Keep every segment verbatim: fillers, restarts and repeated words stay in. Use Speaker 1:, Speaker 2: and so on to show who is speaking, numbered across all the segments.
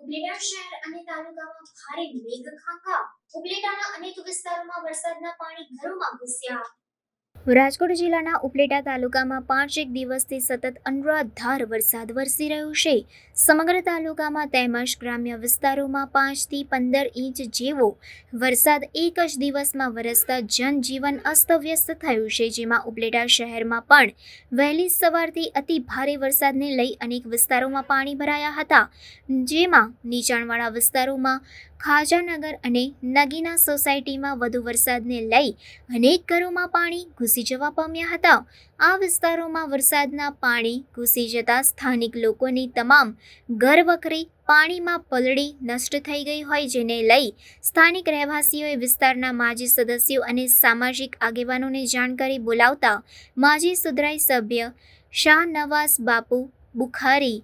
Speaker 1: ઉપલેટા શહેર અને તાલુકામાં ભારે મેઘખાંખા. ઉપલેટાના અનેક વિસ્તારોમાં વરસાદના પાણી ઘરોમાં ઘૂસ્યા. રાજકોટ જિલ્લાના ઉપલેટા તાલુકામાં પાંચેક દિવસથી સતત અનરાધાર વરસાદ વરસી રહ્યો છે. સમગ્ર તાલુકામાં તેમજ ગ્રામ્ય વિસ્તારોમાં પાંચથી પંદર ઇંચ જેવો વરસાદ એક જ દિવસમાં વરસતા જનજીવન અસ્તવ્યસ્ત થયું છે. જેમાં ઉપલેટા શહેરમાં પણ વહેલી સવારથી અતિ ભારે વરસાદને લઈ અનેક વિસ્તારોમાં પાણી ભરાયા હતા. જેમાં નીચાણવાળા વિસ્તારોમાં ખાજાનગર અને નગીના સોસાયટીમાં વધુ વરસાદને લઈ અનેક ઘરોમાં પાણી ઘૂસી જવા પામ્યા હતા. આ વિસ્તારોમાં વરસાદના પાણી ઘૂસી જતા સ્થાનિક લોકોની તમામ ઘરવખરી પાણીમાં પલળી નષ્ટ થઈ ગઈ હોય, જેને લઈ સ્થાનિક રહેવાસીઓએ વિસ્તારના માજી સદસ્યો અને સામાજિક આગેવાનોને જાણ કરી બોલાવતા માજી સુધરાઈ સભ્ય શાહનવાઝ બાપુ બુખારી,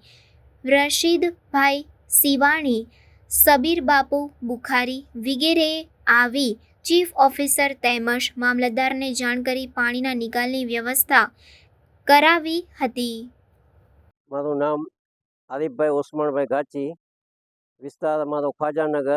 Speaker 1: રશીદભાઈ સિવાણી, સબીર બાપુ બુખારી વગેરેએ આવી ચીફ ઓફિસર તેમજ મામલતદારને જાણ કરી પાણીના નિકાલની વ્યવસ્થા કરાવી હતી.
Speaker 2: મારું નામ આરીફભાઈ ઓસમાણભાઈ ગાચી, વિસ્તાર મારો ખ્વાજાનગર,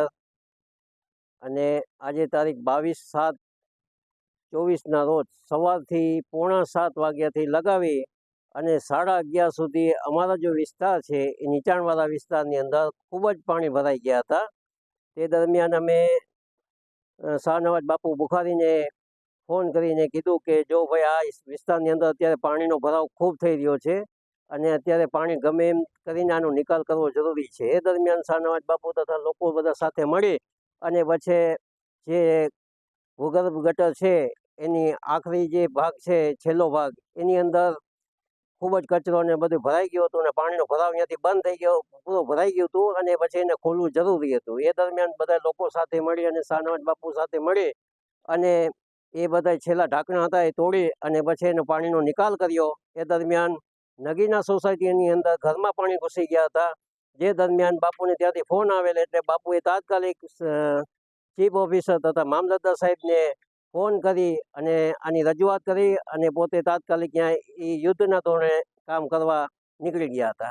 Speaker 2: અને આજે તારીખ બાવીસ સાત ચોવીસના રોજ સવારથી પોણા સાત વાગ્યાથી લગાવી અને સાડા અગિયાર સુધી અમારા જો વિસ્તાર છે એ નીચાણવાળા વિસ્તારની અંદર ખૂબ જ પાણી ભરાઈ ગયા હતા. તે દરમિયાન અમે શાહનવાજ બાપુ બુખારીને ફોન કરીને કીધું કે જો ભાઈ આ વિસ્તારની અંદર અત્યારે પાણીનો ભરાવ ખૂબ થઈ રહ્યો છે અને અત્યારે પાણી ગમે એમ કરીને આનો નિકાલ કરવો જરૂરી છે. એ દરમિયાન શાહનવાજ બાપુ તથા લોકો બધા સાથે મળી અને પછી જે ભૂગર્ભ ગટર છે એની આખરી જે ભાગ છે છેલ્લો ભાગ એની અંદર ખૂબ જ કચરો ને બધું ભરાઈ ગયું હતું અને પાણીનો ભરાવ ત્યાંથી બંધ થઈ ગયો, પૂરો ભરાઈ ગયું હતું અને પછી એને ખોલવું જરૂરી હતું. એ દરમિયાન બધા લોકો સાથે મળી અને શાહનવાજ બાપુ સાથે મળી અને એ બધા છેલ્લા ઢાંકણા હતા એ તોડી અને પછી એનો પાણીનો નિકાલ કર્યો. એ દરમિયાન નગીના સોસાયટીની અંદર ઘરમાં પાણી ઘૂસી ગયા હતા. જે દરમિયાન બાપુને ત્યાંથી ફોન આવેલ એટલે બાપુએ તાત્કાલિક ચીફ ઓફિસર તથા મામલતદાર સાહેબને ફોન કરી અને આની રજૂઆત કરી અને પોતે તાત્કાલિક ત્યાં એ યુદ્ધના ધોરણે કામ કરવા નીકળી ગયા હતા.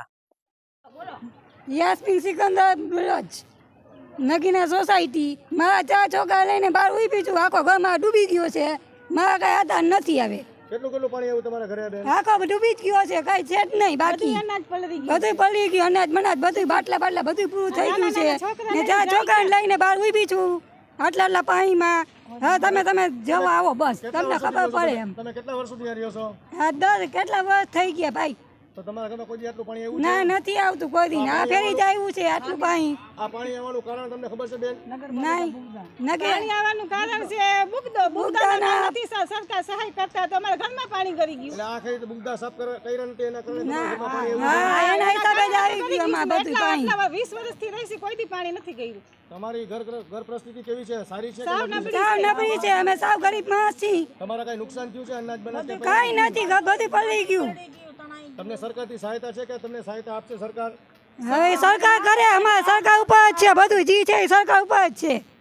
Speaker 3: યાસ્મીન સિકંદર બ્રજ, નગીના સોસાયટી. મારા ચાર છોકરા લઈને બહાર ઉભી છું, આખો ઘરમાં ડૂબી ગયો છે. મારા કઈ આધાર નથી આવે.
Speaker 4: કેટલું કેટલું પાણી આવ્યું તમારા ઘરે બેન?
Speaker 3: આખો ડૂબી જ ગયો છે, કઈ છે જ નહીં બાકી. બધું પલળી ગયું, અનાજ મનાજ બધું બાટલા બાટલા બધું પૂરું થઈ ગયું છે. ને ચાર છોકરાને લઈને બહાર ઉભી છું આટલા આટલા પાણીમાં. હા તમે તમે જવા આવો બસ, તમને ખબર પડે એમ.
Speaker 4: તમે કેટલા વર્ષ સુધી રહ્યો છો?
Speaker 3: હા દસ કેટલા વર્ષ થઈ ગયા ભાઈ.
Speaker 4: તો તમારા ઘરમાં કોઈ દી આટલું પાણી આવ્યું
Speaker 3: ના નથી આવતું કોઈ દી. આ ફેરી જ આવ્યું છે આટલું પાણી.
Speaker 4: આ પાણી આવવાનું કારણ તમને ખબર છે બેન?
Speaker 3: નહીં નગર
Speaker 5: પાણી આવવાનું કારણ છે બુગદો બુગદાના નથી સરકાર સહાય કરતા તો અમારા ઘરમાં પાણી ગરી ગયું.
Speaker 4: એટલે આ ખરી તો બુગદા સાફ કર્યા નથી એના કારણે તમારા ઘરમાં પાણી આવ્યું.
Speaker 3: હા એના હિસાબે જ આવી ગયું અમાર બધું પાણી.
Speaker 5: આટલા વીસ વર્ષથી રહી છે કોઈ દી પાણી નથી ગયું.
Speaker 4: તમારી ઘર ઘર પરિસ્થિતિ કેવી છે? સારી છે કે
Speaker 5: સાવ
Speaker 4: નબળી છે?
Speaker 3: સાવ નબળી છે, અમે સાવ ગરીબ માણસ છીએ.
Speaker 4: તમારા કઈ નુકસાન થયું છે અનાજ બનાજ કે
Speaker 3: કઈ નથી, બધું પલળી ગયું.
Speaker 4: તમને સરકારથી સહાયતા છે કે તમને સહાયતા આપશે સરકાર?
Speaker 3: હવે સરકાર કરે, અમારે સરકાર ઉપર જ છે બધું, જી છે એ સરકાર ઉપર જ છે.